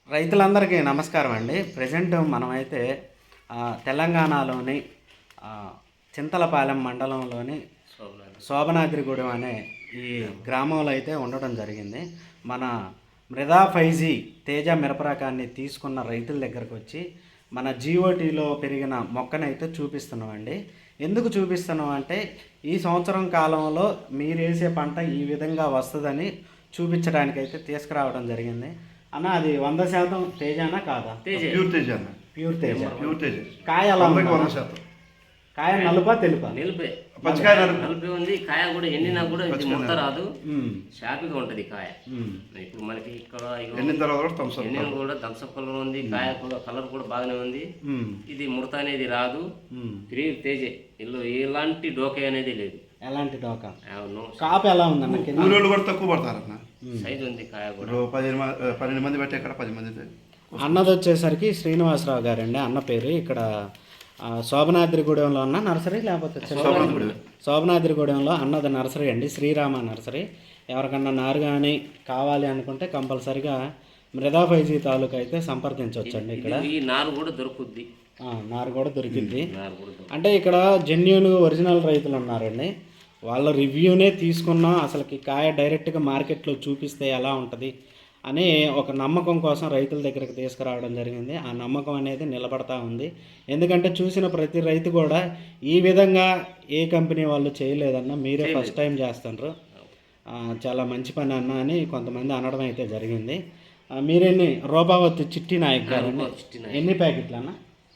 రైతులందరికీ నమస్కారం అండి. ప్రజెంట్ మనమైతే తెలంగాణలోని చింతలపాలెం మండలంలోని శోభనాద్రిగూడెం అనే ఈ గ్రామంలో అయితే ఉండడం జరిగింది. మన మృదా 5G తేజ మిరప రకాన్ని తీసుకున్న రైతుల దగ్గరకు వచ్చి మన జీఓటీలో పెరిగిన మొక్కనైతే చూపిస్తున్నామండి. ఎందుకు చూపిస్తున్నాం అంటే ఈ సంవత్సరం కాలంలో మీరు వేసే పంట ఈ విధంగా వస్తుందని చూపించడానికైతే తీసుకురావడం జరిగింది. అన్న అది 100% తేజానా కాదా? Pure Teja. Pure Teja. Pure Teja. కాయ ఎలా ఉంది? 100%. కాయ నలుపా తెలుపా? నిలిపే. పచ్చికాయ నలిపి ఉంది. కాయ కూడా ఎండినా కూడా ఇది ముడత రాదు, షార్ప్గా ఉంటుంది కాయ. ఇప్పుడు మనకి ఇక్కడ ఎండిన కూడా థమ్సప్ కలర్ ఉంది, కాయ కూడా కలర్ కూడా బాగానే ఉంది. ఇది ముడత అనేది రాదు. ప్యూర్ తేజే. ఇల్లు ఎలాంటి డోకే అనేది లేదు. ఎలాంటి డోకా? కాపు ఎలా ఉందన్న? కూలీలు కూడా తక్కువ పడతారన్న. సైజ్ ఉంది కాయ కూడా. 12 మంది పెట్టే ఇక్కడ 10 మంది. అన్నది వచ్చేసరికి శ్రీనివాసరావు గారండి అన్న పేరు. ఇక్కడ శోభనాద్రిగూడెంలో ఉన్న నర్సరీ, లేకపోతే శోభనాద్రిగూడెంలో అన్నది నర్సరీ అండి, శ్రీరామ నర్సరీ. ఎవరికన్నా నారు కానీ కావాలి అనుకుంటే కంపల్సరిగా మృదా 5G తాలూకా అయితే సంప్రదించవచ్చండి. ఇక్కడ ఈ నారు కూడా దొరుకుద్ది. నారు కూడా దొరికింది. అంటే ఇక్కడ జెన్యూన్ ఒరిజినల్ రైతులు ఉన్నారండి. వాళ్ళ రివ్యూనే తీసుకున్నాం. అసలుకి కాయ డైరెక్ట్గా మార్కెట్లో చూపిస్తే ఎలా ఉంటుంది అని ఒక నమ్మకం కోసం రైతుల దగ్గరికి తీసుకురావడం జరిగింది. ఆ నమ్మకం అనేది నిలబడతా ఉంది. ఎందుకంటే చూసిన ప్రతి రైతు కూడా ఈ విధంగా ఏ కంపెనీ వాళ్ళు చేయలేదన్న, మీరే ఫస్ట్ టైం చేస్తున్నారు, చాలా మంచి పని అన్న అని కొంతమంది అనడం అయితే జరిగింది. మీరెన్ని రూపావతి చిట్టి నాయక్ గారు ఎన్ని ప్యాకెట్లు అన్న?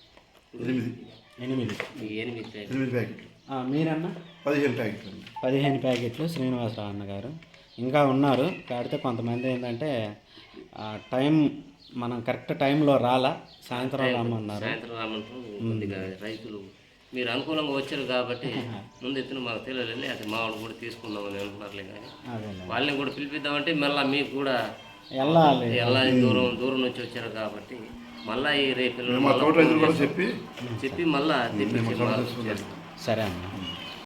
8 ప్యాకెట్లు. మీరన్నా? 15 ప్యాకెట్లు. శ్రీనివాసరావు అన్నగారు ఇంకా ఉన్నారు. కాడితే కొంతమంది ఏంటంటే టైం మనం కరెక్ట్ టైంలో రాలా, సాయంత్రం రామన్నారు. రైతులు మీరు అనుకూలంగా వచ్చారు కాబట్టి ముందు ఎత్తున మాకు తెలియలేదు. అది మా వాళ్ళు కూడా తీసుకుందామని అనుకున్నారులే, కానీ వాళ్ళని కూడా పిలిపిద్దామంటే మళ్ళీ మీకు కూడా వెళ్ళాలి, దూరం నుంచి వచ్చారు కాబట్టి మళ్ళీ ఈ రేపు చెప్పి మళ్ళీ తెప్పించి సరే అన్న.